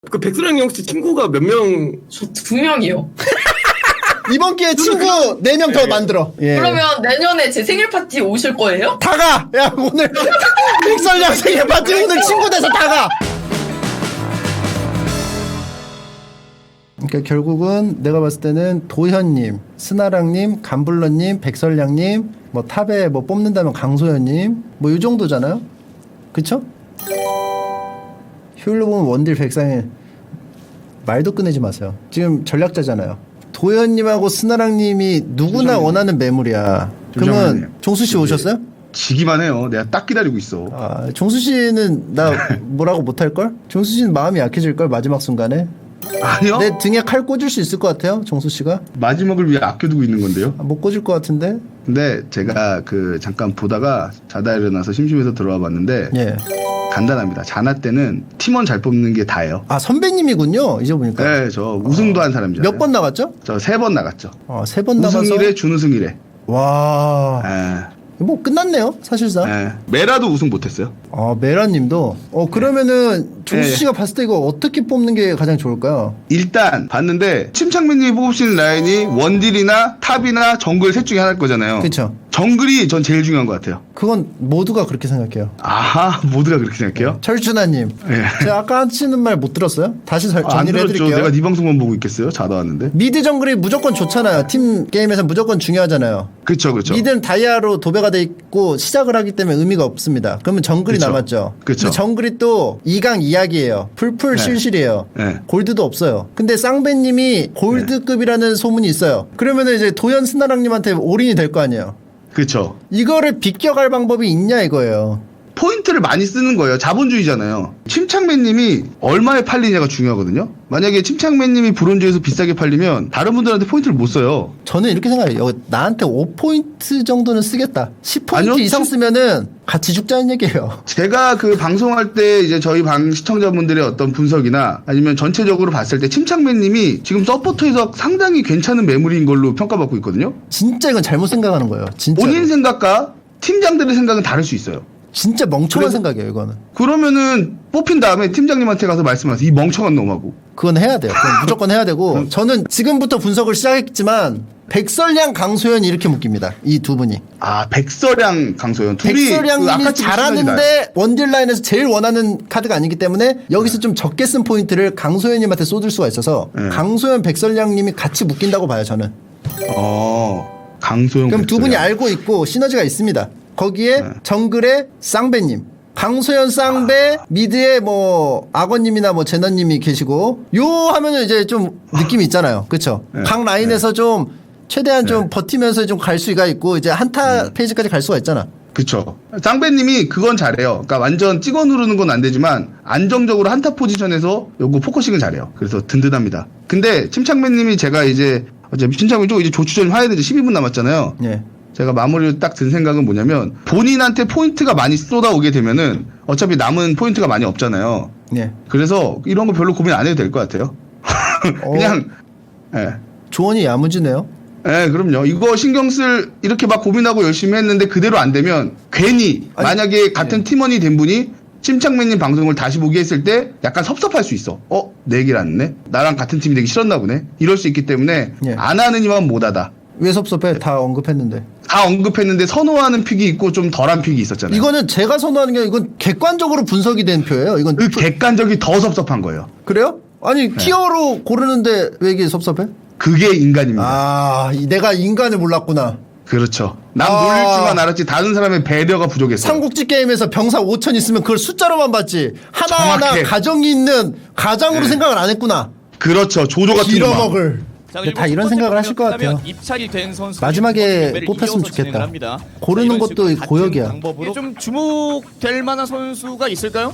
그 백수랑 형 씨 친구가 몇 명? 저 2명이요. 이번 기회에 친구 4명 더 만들어. 예. 그러면 내년에 제 생일 파티 오실 거예요? 다 가! 야, 오늘 백설양 생일 파티 오늘 친구 돼서 다 가! 그러니까 결국은 내가 봤을 때는 도현님, 스나랑님, 감블러님, 백설양님, 뭐 탑에 뭐 뽑는다면 강소연님, 뭐 이 정도잖아요? 그쵸? 효율로 보면 원딜 백상일 말도 꺼내지 마세요. 지금 전략자잖아요. 도현님하고 스나랑님이 누구나 원하는 매물이야. 그러면 종수씨 오셨어요? 지기만 해요. 내가 딱 기다리고 있어. 아, 종수씨는 나 뭐라고 못할걸? 종수씨는 마음이 약해질걸 마지막 순간에. 아니요. 내 등에 칼 꽂을 수 있을 것 같아요, 정수씨가. 마지막을 위해 아껴두고 있는 건데요. 아, 못 꽂을 것 같은데. 근데 제가 그 잠깐 보다가 자다 일어나서 심심해서 들어와 봤는데 예. 간단합니다. 자나 때는 팀원 잘 뽑는 게 다예요. 아, 선배님이군요. 이제 보니까. 네, 저 우승도 한 사람이잖아요. 몇 번 나갔죠? 저 3번 나갔죠. 3번 나가서. 우승이래, 준우승이래. 와. 예. 뭐 끝났네요, 사실상. 예. 메라도 우승 못했어요. 아, 메라님도. 그러면은 종수씨가 봤을 때 이거 어떻게 뽑는 게 가장 좋을까요? 일단 봤는데 침착맨님이 뽑으시는 라인이 원딜이나 탑이나 정글 셋 중에 하나일 거잖아요. 그쵸. 정글이 전 제일 중요한 것 같아요. 그건 모두가 그렇게 생각해요. 아하, 모두가 그렇게 생각해요? 철준아님. 예. 제가 아까 하시는 말 못 들었어요? 다시 안 정리를 들었죠. 해드릴게요. 내가 네 방송만 보고 있겠어요? 자다 왔는데. 미드 정글이 무조건 좋잖아요. 팀 게임에서 무조건 중요하잖아요. 그쵸, 그쵸. 미드는 다이아로 도배가 돼 있고 시작을 하기 때문에 의미가 없습니다. 그러면 정글이 그쵸. 남았죠. 그쵸. 근데 정글이 또 2강 이야기예요. 풀풀 네. 실실이에요. 네. 골드도 없어요. 근데 쌍배님이 골드급이라는 소문이 있어요. 그러면은 이제 도현 스나랑님한테 올인이 될 거 아니에요. 그쵸. 이거를 비껴갈 방법이 있냐 이거예요. 포인트를 많이 쓰는 거예요. 자본주의잖아요. 침착맨님이 얼마에 팔리냐가 중요하거든요. 만약에 침착맨님이 브론즈에서 비싸게 팔리면 다른 분들한테 포인트를 못 써요. 저는 이렇게 생각해요. 나한테 5포인트 정도는 쓰겠다. 10포인트 아니요, 이상 쓰면은 같이 죽자는 얘기예요. 제가 그 방송할 때 이제 저희 방 시청자분들의 어떤 분석이나 아니면 전체적으로 봤을 때 침착맨님이 지금 서포터에서 상당히 괜찮은 매물인 걸로 평가받고 있거든요. 진짜 이건 잘못 생각하는 거예요. 진짜. 본인 생각과 팀장들의 생각은 다를 수 있어요. 진짜 멍청한 생각이에요, 이거는. 그러면은 뽑힌 다음에 팀장님한테 가서 말씀하세요. 이 멍청한 놈하고. 그건 해야 돼요. 그건 무조건 해야 되고. 저는 지금부터 분석을 시작했지만 백설양, 강소연 이렇게 묶입니다. 이 두 분이. 아, 백설양, 강소연. 둘이 백설양님이 그 아카츠키 시간이 나요. 잘하는데 원딜 라인에서 제일 원하는 카드가 아니기 때문에 여기서 좀 적게 쓴 포인트를 강소연님한테 쏟을 수가 있어서 네. 강소연, 백설양님이 같이 묶인다고 봐요, 저는. 강소연. 그럼 두 분이 백설양. 알고 있고 시너지가 있습니다. 거기에 네. 정글의 쌍배님, 강소연 쌍배, 미드에 뭐 악어님이나 뭐 제너님이 계시고 요 하면은 이제 좀 느낌이 있잖아요. 그렇죠? 네. 각 라인에서 좀 최대한 좀 버티면서 좀 갈 수가 있고 이제 한타 페이지까지 갈 수가 있잖아. 그쵸. 쌍배님이 그건 잘해요. 그러니까 완전 찍어 누르는 건 안 되지만 안정적으로 한타 포지션에서 요거 포커싱을 잘해요. 그래서 든든합니다. 근데 침착맨님이 제가 이제 침착맨 쪽 이제 조추전 화해도 이제 12분 남았잖아요. 예. 제가 마무리로 딱 든 생각은 뭐냐면 본인한테 포인트가 많이 쏟아오게 되면은 어차피 남은 포인트가 많이 없잖아요. 예. 그래서 이런 거 별로 고민 안 해도 될 것 같아요. 그냥 예. 조언이 야무지네요. 예, 그럼요. 이거 신경 쓸 이렇게 막 고민하고 열심히 했는데 그대로 안 되면 괜히 아니, 만약에 같은 팀원이 된 분이 침착맨님 방송을 다시 보게 했을 때 약간 섭섭할 수 있어. 내 얘기를 안 했네? 나랑 같은 팀이 되기 싫었나 보네? 이럴 수 있기 때문에 예. 안 하는 이만 못하다. 왜 섭섭해? 다 언급했는데. 다 언급했는데 선호하는 픽이 있고 좀 덜한 픽이 있었잖아요. 이거는 제가 선호하는 게 아니라 이건 객관적으로 분석이 된 표예요. 이건 그 객관적이 더 섭섭한 거예요. 그래요? 아니 티어로 고르는데 왜 이게 섭섭해? 그게 인간입니다. 아, 내가 인간을 몰랐구나. 그렇죠. 남 놀릴 줄만 알았지 다른 사람의 배려가 부족했어요. 삼국지 게임에서 병사 5천 있으면 그걸 숫자로만 봤지 하나하나 정확해. 가정이 있는 가장으로 생각을 안 했구나. 그렇죠. 조조 같은 놈아. 빌어먹을. 다 이런 생각을 하실 것 같아요. 입찰이 된 선수 마지막에 뽑혔으면 좋겠다. 고르는 것도 고역이야. 좀 주목될 만한 선수가 있을까요?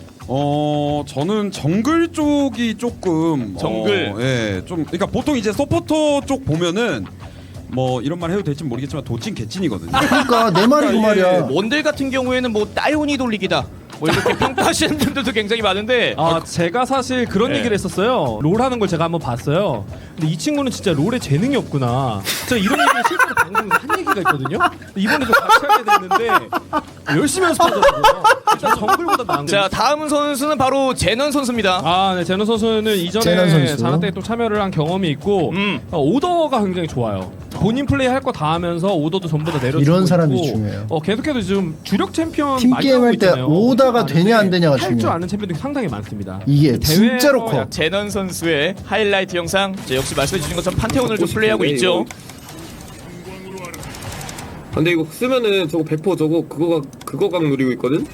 저는 정글 쪽이 조금 정글. 예, 좀 그러니까 보통 이제 서포터 쪽 보면은 뭐 이런 말 해도 될지 모르겠지만 도찐 개찐이거든요. 그러니까 내 말이 그 말이야. 원딜 같은 경우에는 뭐 따요니 돌리기다 뭐 이렇게 평가하시는 분들도 굉장히 많은데 제가 사실 그런 네. 얘기를 했었어요. 롤 하는 걸 제가 한번 봤어요. 근데 이 친구는 진짜 롤에 재능이 없구나. 제가 이런 얘기를 실제로 방송에서 한 얘기가 있거든요. 이번에 좀 같이 하게 됐는데 열심히 연습하더라고요. 정글보다 나은 자, 다음 선수는 바로 제넌 선수입니다. 네, 제넌 선수는 이전에 제넌 선수. 자나 때 또 참여를 한 경험이 있고 오더가 굉장히 좋아요. 본인 플레이 할 거 다 하면서 오더도 전부 다 내려주고 이런 사람이 있고, 중요해요. 계속해서 지금 주력 챔피언 팀 많이 게임 나오고 할 때 있잖아요. 오더가 되냐 안 되냐가 할줄 중요해요. 아는 챔피언들이 상당히 많습니다. 이게 대회에서 진짜로 커. 제넌 선수의 하이라이트 영상. 자, 역시 말씀해 주신 것처럼 판테온을 좀 플레이하고 있죠. 근데 이거 쓰면은 저거 100% 저거 그거 각 누리고 있거든.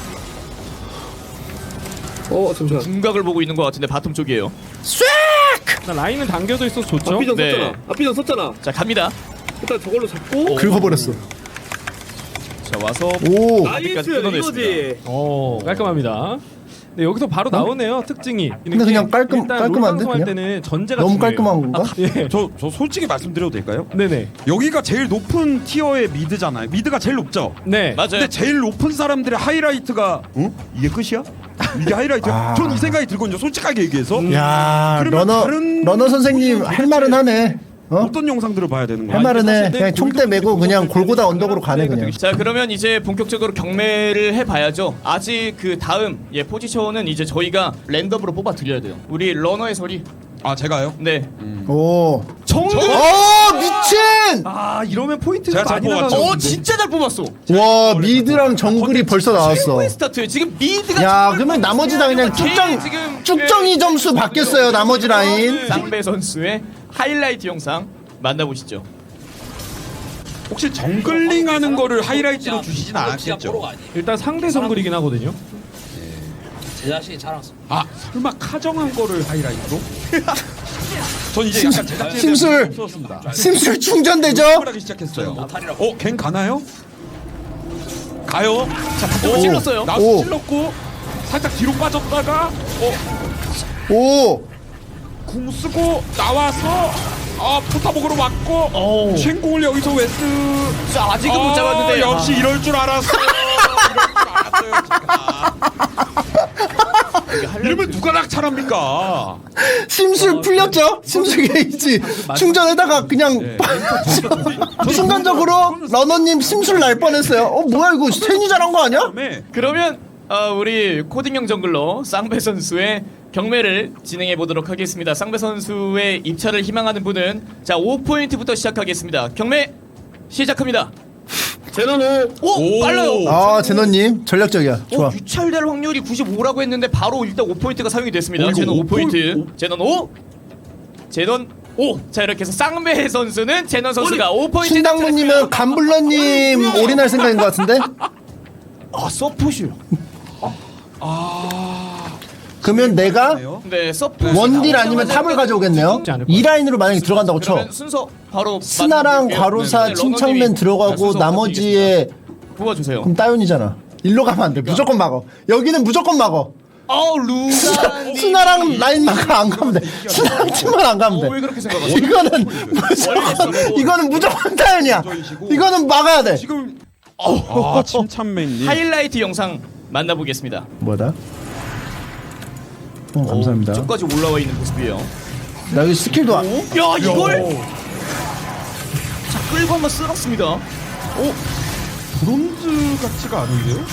잠시만. 궁각을 보고 있는 것 같은데 바텀 쪽이에요. 라인은 당겨져 있어서 좋죠. 앞비전 네. 썼잖아. 앞비전 썼잖아. 자, 갑니다. 일단 저걸로 잡고. 긁어버렸어. 자, 와서 오. 나이스 끊어냈습니다. 이거지. 깔끔합니다. 네, 여기서 바로 나오네요. 특징이. 근데 그냥 일단 깔끔한데, 롤 방송할 그냥? 때는 전제가 너무 중요해요. 깔끔한 건가? 예. 저 솔직히 말씀드려도 될까요? 네네. 여기가 제일 높은 티어의 미드잖아요. 미드가 제일 높죠. 네. 맞아요. 근데 제일 높은 사람들의 하이라이트가 이게 끝이야? 이게 하이라이트야? 아. 전 이 생각이 들거든요. 솔직하게 얘기해서. 야, 그러면 다른 러너 선생님 할 말은 하네. 어떤 영상들을 봐야 되는 거야? 할 말은 해. 사실 그냥 총대 메고 그냥 골고다 언덕으로 가네 그냥. 자, 그러면 이제 본격적으로 경매를 해봐야죠. 아직 그 다음 포지션은 이제 저희가 랜덤으로 뽑아 드려야 돼요. 우리 러너의 소리. 아, 제가요? 네. 오. 정글. 미친! 이러면 포인트가 제가 잘 많이 뽑았죠. 나가는데. 진짜 잘 뽑았어. 와, 미드랑 정글이 벌써 나왔어. 최고의 스타트. 지금 미드가. 야, 정글 그러면 나머지 다 그냥 지금 쭉정이 점수 바뀌었어요. 나머지 라인. 쌍배 선수의 하이라이트 영상 만나보시죠. 혹시 정글링 하는 거를 하이라이트로 주시진 않았겠죠? 일단 상대 정글이긴 하거든요. 제 자신이 자랑스러워. 아, 설마 카정한 거를 하이라이트로? 전 이제 약간 제작진에 심술. 없었습니다. 심술 충전되죠? 하기 시작했어요. 갱 가나요? 가요. 자, 오, 찔렀어요. 나도 오. 찔렀고 살짝 뒤로 빠졌다가 오. 궁 쓰고 나와서 포타복으로 맞고 쉔공을 여기서 왜 쓰? 자, 아직은 못 잡았는데. 역시 이럴 줄 알았어. 이러면 누가 낙찰합니까? 심술 풀렸죠? 심술 게이지 충전에다가 그냥 순간적으로 러너님 심술 날 뻔했어요. 뭐야 이거 괜히 잘한 거 아니야? 그다음에 그러면 우리 코딩형 정글러 쌍배 선수의 경매를 진행해 보도록 하겠습니다. 쌍배 선수의 입찰을 희망하는 분은 자 5포인트부터 시작하겠습니다. 경매 시작합니다. 제너는 오, 빨라요. 아 제너님 전략적이야. 좋아. 유찰될 확률이 95라고 했는데 바로 일단 5포인트가 사용이 됐습니다. 이거 제넌 5포인트. 오? 제넌 5. 제넌 5. 자, 이렇게 해서 쌍배 선수는 제넌 선수가 5포인트. 신당무님은 감블러님 올인할 생각인 것 같은데? 서폿이요. 그러면 내가 네, 서폿. 원딜 아니면 탑을 가져오겠네요. 쉽지 않을 것 이 라인으로 만약에 들어간다고 쳐. 그러면 순서 바로 스나랑 만나볼게요. 과로사 네, 침착맨 러너님이 들어가고 순서 나머지에 뽑아주세요. 그럼 따윤이잖아. 일로 가면 안 돼. 무조건 막어. 여기는 무조건 막어. 루가 스나랑 라인만 안 가면 돼. 스나랑 팀만 안 가면 왜 돼. 그렇게 생각하세요? 이거는 무조건 따윤이야. 이거는 막아야 돼. 지금 침참맨님 하이라이트 영상 만나보겠습니다. 뭐다? 감사합니다. 쭉까지 올라와 있는 모습이에요. 나 여기 스킬도 야, 이걸 자, 끌고 한번 쓸었습니다. 브론즈 같지가 않은데요?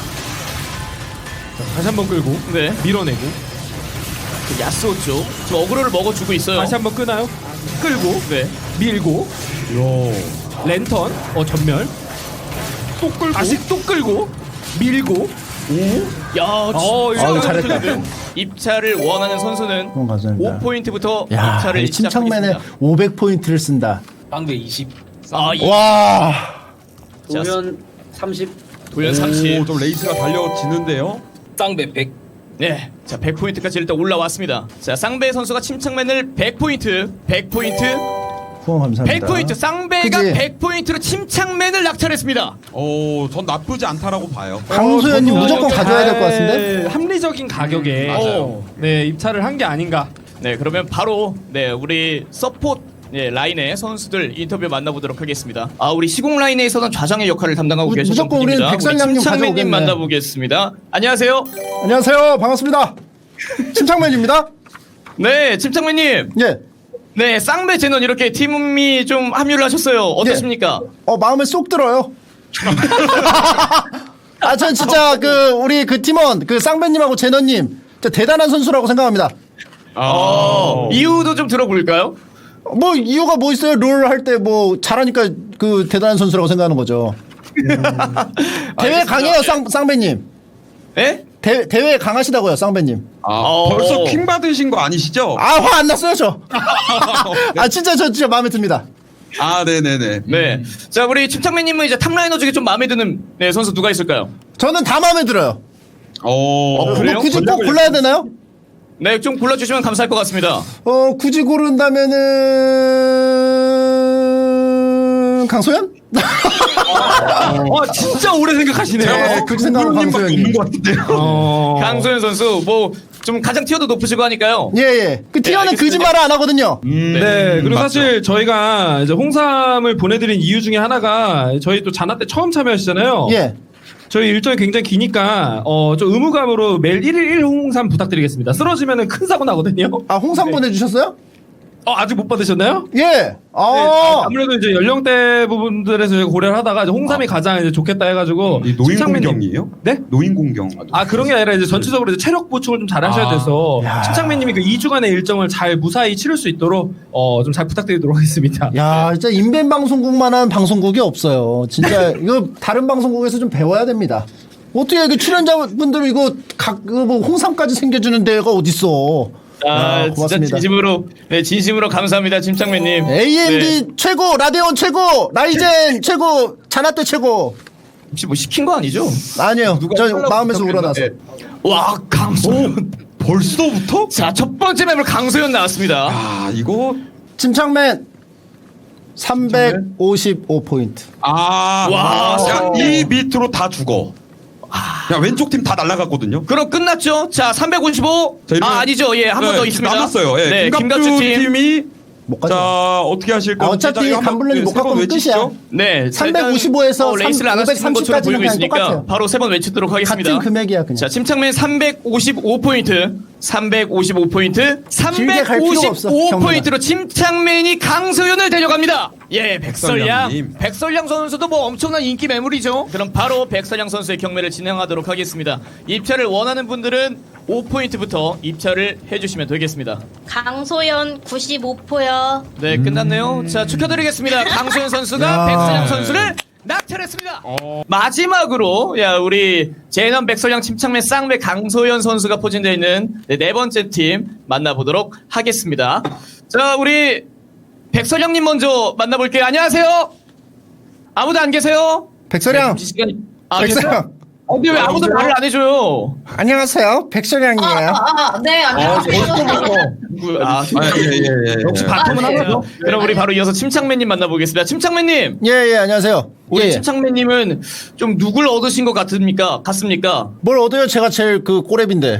다시 한번 끌고 네, 밀어내고 야스오 쪽 지금 어그로를 먹어주고 있어요. 다시 한번 끄나요? 끌고 네, 밀고 랜턴 전멸 또 끌고 다시 또 끌고 밀고 야, 이거 잘했다. 입찰을 원하는 선수는 감사합니다. 5포인트부터 야, 입찰을 이 침착맨에 시작하겠습니다. 500포인트를 쓴다. 빵배 20. 와. 도면 30. 도연 30. 좀 레이스가 달려지는데요. 쌍배 100. 네, 자 100포인트까지 일단 올라왔습니다. 자 쌍배 선수가 침착맨을 100포인트, 100포인트, 후원 감사합니다. 100포인트. 쌍배가 그치? 100포인트로 침착맨을 낙찰했습니다. 전 나쁘지 않다라고 봐요. 강소연님 저도 무조건 이렇게 가져야 될 것 같은데? 합리적인 가격에 맞아요. 네 입찰을 한 게 아닌가. 네, 그러면 바로 우리 서폿 라인의 선수들 인터뷰 만나보도록 하겠습니다. 우리 시공 라인에서는 좌장의 역할을 담당하고 계셨던 무조건 우리는 분입니다. 백설량님 우리 침착맨님 가져오겠네. 만나보겠습니다. 안녕하세요. 안녕하세요. 반갑습니다. 침착맨입니다. 네, 침착맨님. 예. 네, 쌍배 제넌 이렇게 팀이 좀 합류를 하셨어요. 어떠십니까? 마음에 쏙 들어요. 전 진짜 그 우리 그 팀원 그 쌍배님하고 제너님 진짜 대단한 선수라고 생각합니다. 이유도 좀 들어볼까요? 뭐 이유가 뭐 있어요? 롤 할 때 뭐 잘하니까 그 대단한 선수라고 생각하는 거죠. 대회 강해요, 쌍배님. 예? 대회 강하시다고요, 쌍배님. 벌써 킹 받으신 거 아니시죠? 화 안 났어요, 저. 진짜 저 진짜 마음에 듭니다. 네네네. 네. 자, 우리 침착맨님은 이제 탑라이너 중에 좀 마음에 드는 선수 누가 있을까요? 저는 다 마음에 들어요. 그래요? 뭐 굳이 꼭 골라야 되나요? 네, 좀 골라주시면 감사할 것 같습니다. 굳이 고른다면은 강소연? 진짜 오래 생각하시네요. 네, 굳이 생각하면 강소연이. 없는 것 같은데요. 강소연 선수, 뭐, 좀 가장 티어도 높으시고 하니까요. 예. 그 티어는 알겠습니다. 거짓말을 안 하거든요. 네, 그리고 맞죠. 사실 저희가 이제 홍삼을 보내드린 이유 중에 하나가 저희 또 자나 때 처음 참여하시잖아요. 예. 저희 일정이 굉장히 기니까 좀 의무감으로 매일 1일 1 홍삼 부탁드리겠습니다. 쓰러지면은 큰 사고 나거든요. 홍삼 네. 보내주셨어요? 아직 못 받으셨나요? 예. 네, 아무래도 이제 연령대 부분들에서 저희가 고려를 하다가 이제 홍삼이 가장 이제 좋겠다 해가지고 이 노인 침착맨님- 공경이에요? 네? 노인 공경. 그런 게 아니라 이제 전체적으로 이제 체력 보충을 좀 잘 하셔야 돼서 야. 침착맨님이 그 2주간의 일정을 잘 무사히 치를 수 있도록 좀 잘 부탁드리도록 하겠습니다. 야, 진짜 인벤 방송국만한 방송국이 없어요. 진짜 이거 다른 방송국에서 좀 배워야 됩니다. 어떻게 이게 출연자분들 이거 뭐 홍삼까지 챙겨주는 데가 어딨어? 진짜 고맙습니다. 진심으로 감사합니다, 침착맨님. AMD 최고, 라데온 최고, 라이젠 최고, 자나떼 최고. 혹시 뭐 시킨 거 아니죠? 아니요, 저 하려고 마음에서 부탁드렸나? 우러나서. 네. 와, 강소연. 벌써부터? 자, 첫 번째 맵으로 강소연 나왔습니다. 이거 침착맨 355포인트. 와, 이 밑으로 다 죽어. 야, 왼쪽 팀 다 날라갔거든요. 그럼 끝났죠? 자, 355. 자, 이러면- 아니죠. 예, 한 번 더 있습니다. 남았어요. 예, 네, 김갑주 김갑주 팀. 팀이 못 가죠. 자, 어떻게 하실 건지 어차피 자, 이거 한번 간블런이 못 세번 갖고 오면 외치시죠. 끝이야. 네. 355에서 레이스를 안 하시는 것처럼 530까지는 보이고 그냥 있으니까 똑같아요. 바로 세 번 외치도록 하겠습니다. 같은 금액이야, 그냥. 자, 침착맨 355포인트. 355포인트. 길게 갈 필요가 없어, 355포인트로 침착맨이 강소연을 데려갑니다. 예, 백설량. 백설량님. 백설량 선수도 뭐 엄청난 인기 매물이죠. 그럼 바로 백설량 선수의 경매를 진행하도록 하겠습니다. 입찰을 원하는 분들은 5포인트부터 입찰을 해주시면 되겠습니다. 강소연 95포요. 네, 끝났네요. 자, 축하드리겠습니다. 강소연 선수가 백설량 선수를 낙찰했습니다. 마지막으로 우리 제넌 백설량 침착맨 쌍배 강소연 선수가 포진되어 있는 네 번째 팀 만나보도록 하겠습니다. 자, 우리 백설량님 먼저 만나볼게요. 안녕하세요. 아무도 안 계세요? 백설양. 네, 시간이 백설양. 계세요? 근데 왜 아무도 말을 안 해줘요? 안녕하세요, 백설양이에요. 네, 안녕하세요. 역시 바텀은 하나죠. 그럼 우리 바로 이어서 침착맨님 만나보겠습니다. 침착맨님. 예, 안녕하세요. 우리 예. 침착맨님은 좀 누굴 얻으신 것 같습니까? 뭘 얻어요? 제가 제일 그 꼬랩인데.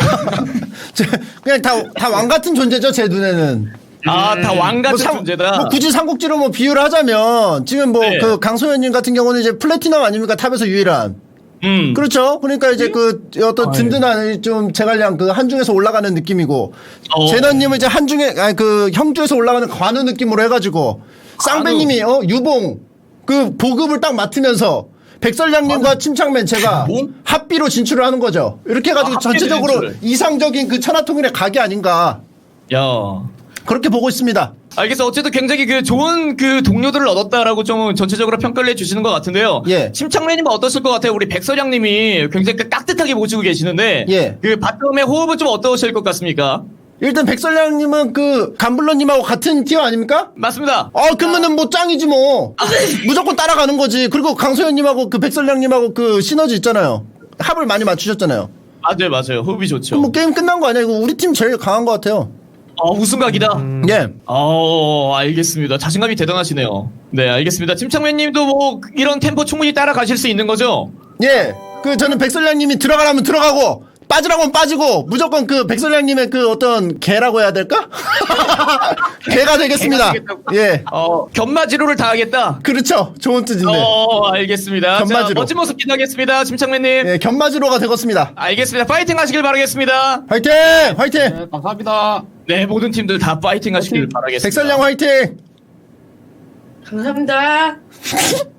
그냥 다 왕 같은 존재죠, 제 눈에는. 다 왕 같은 뭐 존재다. 뭐 굳이 삼국지로 뭐 비유를 하자면 지금 뭐 네. 그 강소연님 같은 경우는 이제 플래티넘 아닙니까? 탑에서 유일한. 그렇죠. 그러니까 이제 그 어떤 든든한 좀 제갈량 그 한중에서 올라가는 느낌이고 제너님은 이제 한중에 그 형주에서 올라가는 관우 느낌으로 해가지고 쌍배님이 유봉 그 보급을 딱 맡으면서 백설량님과 침착맨 제가 합비로 진출을 하는 거죠. 이렇게 해가지고 합비로 전체적으로 진출을. 이상적인 그 천하통일의 각이 아닌가 야. 그렇게 보고 있습니다. 알겠어. 어쨌든 굉장히 그 좋은 그 동료들을 얻었다라고 좀 전체적으로 평가를 해주시는 것 같은데요. 예. 침착맨님은 어떠실 것 같아요? 우리 백설량님이 굉장히 깍듯하게 모시고 계시는데. 예. 그 바텀의 호흡은 좀 어떠실 것 같습니까? 일단 백설량님은 그 감블러님하고 같은 티어 아닙니까? 맞습니다. 그러면은 뭐 짱이지 뭐. 무조건 따라가는 거지. 그리고 강소연님하고 그 백설량님하고 그 시너지 있잖아요. 합을 많이 맞추셨잖아요. 맞아요. 호흡이 좋죠. 그럼 뭐 게임 끝난 거 아니야? 이거 우리 팀 제일 강한 것 같아요. 우승각이다. 예. 알겠습니다. 자신감이 대단하시네요. 네, 알겠습니다. 침착맨님도 뭐 이런 템포 충분히 따라가실 수 있는 거죠? 예. 그 저는 백설량님이 들어가라면 들어가고 빠지라고 하면 빠지고 무조건 그 백설량님의 그 어떤 개라고 해야 될까? 개가 되겠습니다. 개가 되겠다고? 예. 견마지로를 다하겠다. 그렇죠. 좋은 뜻인데. 알겠습니다. 견마지로. 자, 멋진 모습 기대하겠습니다. 침착맨님. 예, 견마지로가 되겠습니다. 알겠습니다. 파이팅 하시길 바라겠습니다. 화이팅! 화이팅! 감사합니다. 네, 모든 팀들 다 파이팅 하시길 바라겠습니다. 백설량 화이팅! 감사합니다.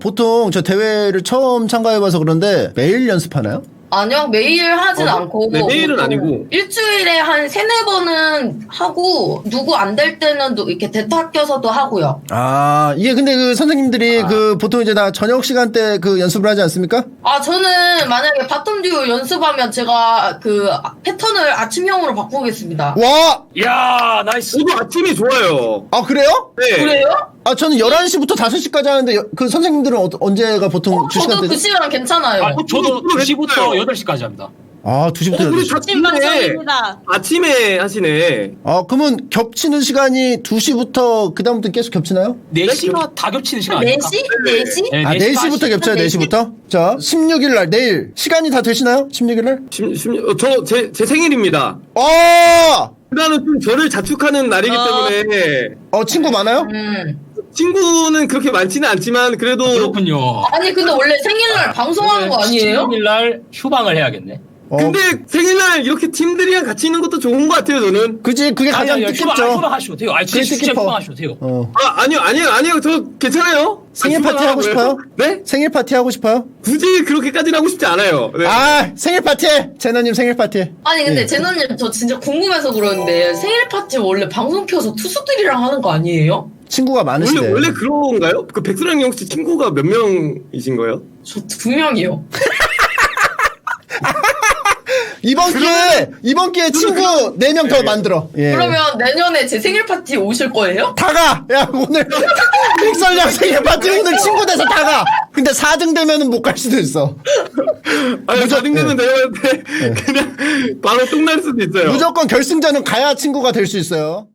보통 저 대회를 처음 참가해봐서 그런데 매일 연습하나요? 아니요, 매일 하진 않고. 네, 매일은 보통 아니고. 일주일에 한 3-4번은 하고, 누구 안 될 때는 이렇게 대타 껴서도 하고요. 아, 이게 근데 그 선생님들이 그 보통 이제 다 저녁 시간대 그 연습을 하지 않습니까? 저는 만약에 바텀 듀오 연습하면 제가 그 패턴을 아침형으로 바꾸겠습니다. 와! 야 나이스. 저도 아침이 좋아요. 아, 그래요? 네. 그래요? 아, 저는 11시부터 5시까지 하는데 그 선생님들은 언제가 보통 주 저도 그 시간대죠? 시간 괜찮아요. 저도 2시부터 8시까지 합니다. 아, 2시부터 우리 8시. 아침 방송입니다. 아침에 하시네. 아, 그러면 겹치는 시간이 2시부터 그다음부터 계속 겹치나요? 4시가 다 겹치는 시간 아닙니까? 4시? 4시? 네, 아, 4시부터 겹쳐요, 4시부터? 자, 16일 날, 내일. 시간이 다 되시나요? 16일 날? 제 생일입니다. 그날은 좀 저를 자축하는 날이기 때문에 친구 많아요? 친구는 그렇게 많지는 않지만 그래도 그렇군요. 아니, 근데 원래 생일날 방송하는 거 아니에요? 16일날 휴방을 해야겠네. 근데 생일날 이렇게 팀들이랑 같이 있는 것도 좋은 것 같아요, 저는. 그지? 그게 가장 뜻깊죠. 휴방하셔도 돼요. 아니, 그게 진짜 뜻깊어. 휴방하셔도 돼요. 아니요. 저 괜찮아요. 생일 파티 하고 싶어요? 네? 생일 파티 하고 싶어요? 굳이 그렇게까지는 하고 싶지 않아요. 네. 아, 생일 파티 해! 제너님 생일 파티 해. 아니, 근데 제너님 저 진짜 궁금해서 그러는데 생일 파티 원래 방송 켜서 투수들이랑 하는 거 아니에요? 친구가 많으시대. 원래 그런가요? 그 백수랑 형 씨 친구가 몇 명이신 거예요? 저 2명이요. 이번 기회에 친구 4명 더 만들어. 예. 그러면 내년에 제 생일 파티 오실 거예요? 다 가! 야, 오늘, 빅설량 생일 파티 오늘 친구 돼서 다 가! 근데 4등 되면은 못 갈 수도 있어. 아니, 4등 되면 내가 그냥 바로 똥날 수도 있어요. 무조건 결승전은 가야 친구가 될 수 있어요.